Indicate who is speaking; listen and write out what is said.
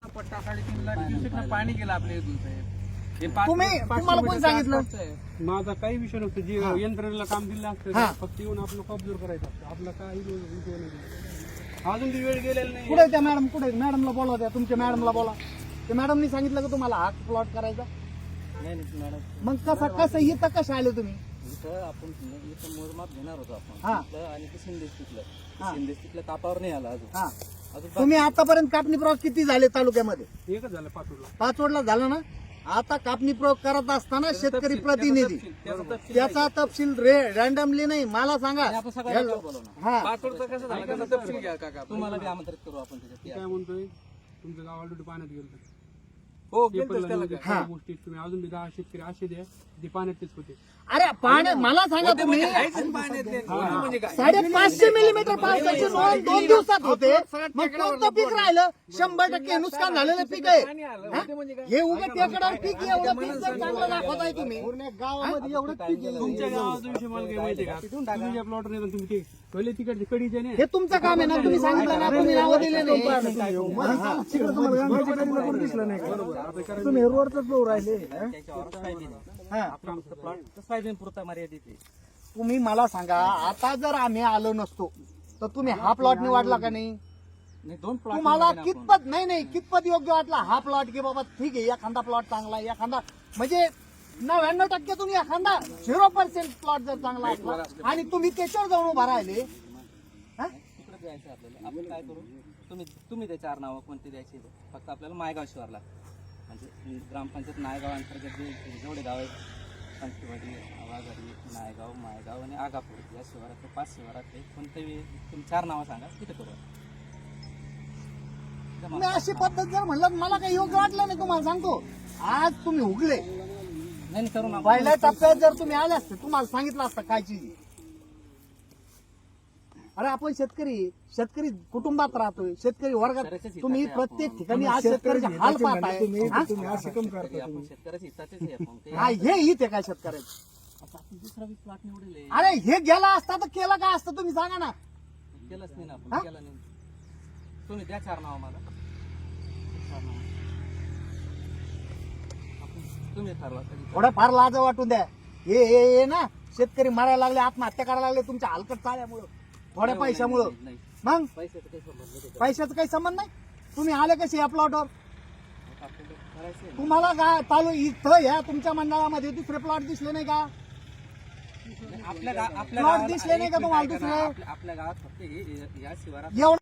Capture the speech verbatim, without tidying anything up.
Speaker 1: पट्टा साडेतीन लाख क्युसेकनं पाणी गेलं आपल्या इथून साहेब. हे पाच-
Speaker 2: तुम्ही
Speaker 1: पाचशे
Speaker 2: तुम्हाला कोण
Speaker 1: मीटरचा
Speaker 2: सांगितलं?
Speaker 1: आसपासचं आहे.
Speaker 3: माझा काही विषय नसतो. जे
Speaker 2: हा.
Speaker 3: यंत्रणेला काम दिलं
Speaker 2: हा.
Speaker 3: असतं फक्त येऊन आपलं कॉब्झर करायचं असतं. आपला काही उपयोग नाही. अजून ती वेळ गेलेला नाही.
Speaker 2: कुठे त्या मॅडम कुठे मॅडमला बोलवा त्या तुमच्या मॅडमला बोला. त्या मॅडमनी सांगितलं का तुम्हाला हा प्लॉट करायचा?
Speaker 4: नाही नाही मॅडम,
Speaker 2: मग कसं कसं इथं कसे आले तुम्ही?
Speaker 4: इथं आपण इथं मोजमाप घेणार होतो आपण
Speaker 2: हा.
Speaker 4: तिथलं आणि ते शिंदे तिथलं
Speaker 2: हा.
Speaker 4: शिंदे तिथलं कापावर नाही आला अजून
Speaker 2: हा
Speaker 4: अजून
Speaker 2: तुम्ही आतापर्यंत कापणी प्रयोग किती झाले तालुक्यामध्ये?
Speaker 3: एकच झालं पाचोडला.
Speaker 2: पाच वडला झाला ना. आता कापणी प्रयोग करत असताना शेतकरी प्रतिनिधी
Speaker 4: त्याचा तपशील
Speaker 2: त्याचा तपशील रॅन्डमली नाही मला सांगा.
Speaker 4: आणि आपण सगळ्यांना बोलवणार.
Speaker 2: हा
Speaker 1: पाचोडचं कसं झालं त्याचा तपशील घ्या काका.
Speaker 4: तुम्हाला बी आमंत्रित करू आपण त्याच्यात या.
Speaker 3: काय म्हणतोय, तुमचं गाव ऑलरेडी पाण्यात गेलं.
Speaker 1: हो
Speaker 3: पेपरला
Speaker 1: गेलतोच त्याला
Speaker 3: न्यूज
Speaker 1: काय.
Speaker 3: आहे, सगळ्या गोष्टी तुम्ही अजून बी दहा शेतकरी असे द्या जे पाण्यातच होते.
Speaker 2: अरे पाण्या मला सांगा
Speaker 1: होते
Speaker 2: तुम्ही
Speaker 1: म्हणजे आहेच पाण्यातले. होते म्हणजे काय.
Speaker 2: साडेपाचशे मिलीमीटर पावसाची नोंद दोन दिवसात होते. मग कोणतं पीक राहिलं? शंभर टक्के नुकसान झालेलं पीक आहे.
Speaker 1: पाणी आलं.
Speaker 2: हा?
Speaker 1: होते म्हणजे काय.
Speaker 2: हे उगा टेकडावर पीक एवढं पीक जर चांगलं दाखवताय तुम्ही गावामध्ये एवढं पीक गेलं.
Speaker 3: तुमच्या गावाचा विषय मला काय माहिती आहे का? तुम्ही ज्या प्लॉट नाही तुम्ही ते पहिले तिकडचे कडीचे नाही.
Speaker 2: हे तुमचं काम आहे ना. तुम्ही सांगितलं ना तुम्ही नावं दिले नाही. तुम्ही रोडच फ्लो राहिले.
Speaker 4: त्याच्यावर सोयाबीन आहे. आपला फक्त प्लॉट सोयाबीन पुरता मर्यादित आहे.
Speaker 2: तुम्ही मला सांगा आता जर आम्ही आलो नसतो तर तुम्ही हा प्लॉट निवडला का नाही?
Speaker 4: नाही दोन प्लॉट
Speaker 2: तुम्हाला कितपत नाही नाही कितपत योग्य वाटला हा प्लॉट की बाबा ठीक आहे एखादा प्लॉट चांगला आहे एखादा म्हणजे नव्याण्णव टक्के तुम्ही एखादा झिरो पर्सेंट प्लॉट जर चांगला असला आणि तुम्ही त्याच्यावर जाऊन उभा राहिले हा?
Speaker 4: तिकडे द्यायचं आपल्याला. आपण काय करू, तुम्ही तुम्ही ते चार नावं कोणते द्यायचे फक्त आपल्याला मायगाव शिवारला म्हणजे ग्रामपंचायत नायगाव अंतर्गत जे जेवढे गाव आहेत पंचवाडी आवाघाडी नायगाव मायगाव आणि आगापूर या शिवारात पाच शिवारात कोणतेही तुम्ही चार नावं सांगा तिथे करू.
Speaker 2: तुम्ही अशी पद्धत जर म्हणलं तर मला काही योग्य वाटलं नाही. तुम्हाला सांगतो आज तुम्ही उगले
Speaker 4: नाही नाही, करू ना आपण.
Speaker 2: पहिल्या टप्प्यात जर तुम्ही आले असते तुम्हाला सांगितलं असतं काय चीज आहे. अरे आपण शेतकरी शेतकरी कुटुंबात राहतोय शेतकरी वर्गात तुम्ही प्रत्येक ठिकाणी आज शेतकऱ्याचे हाल पाहताय हा?
Speaker 4: तरी आपण शेतकऱ्याच्या हिताचेच आहे आपण. ते
Speaker 2: हा, हे हित आहे काय शेतकऱ्याचं?
Speaker 4: आता आपण दुसरा बी प्लॉट निवडले
Speaker 2: अरे हे गेला असता तर केलं काय असतं तुम्ही सांगा ना.
Speaker 4: केलंच नाही ना
Speaker 2: हा?
Speaker 4: आपण केलं नाही. तुम्ही द्या चार नाव मला चार नाव आपण तुम्ही ठरवा कधी
Speaker 2: थोडं फार लाज वाटून द्या. हे हे हे ना शेतकरी मारायला लागले आत्महत्या करायला लागले तुमच्या हलकट चाल्यामुळं थोड्या पैशामुळं.
Speaker 4: नाही
Speaker 2: मग
Speaker 4: पैशाचं काही संबंध नाही.
Speaker 2: पैशाचा काही संबंध नाही. तुम्ही आले कसे या प्लॉटवर?
Speaker 4: आपल्याला करायचं आहे.
Speaker 2: तुम्हाला काय चालू इथं ह्या तुमच्या मंडळामध्ये दुसरे प्लॉट दिसले नाही का?
Speaker 4: आपल्या गा- आपल्या
Speaker 2: प्लॉट
Speaker 4: गावाला-
Speaker 2: दिसले नाही का
Speaker 4: एक
Speaker 2: तुम्हाला
Speaker 4: मिनिट ऐका
Speaker 2: दुसरे?
Speaker 4: ना, आपल्या- आपल्या गावात फक्त हे- हे- या शिवारात
Speaker 2: एवढं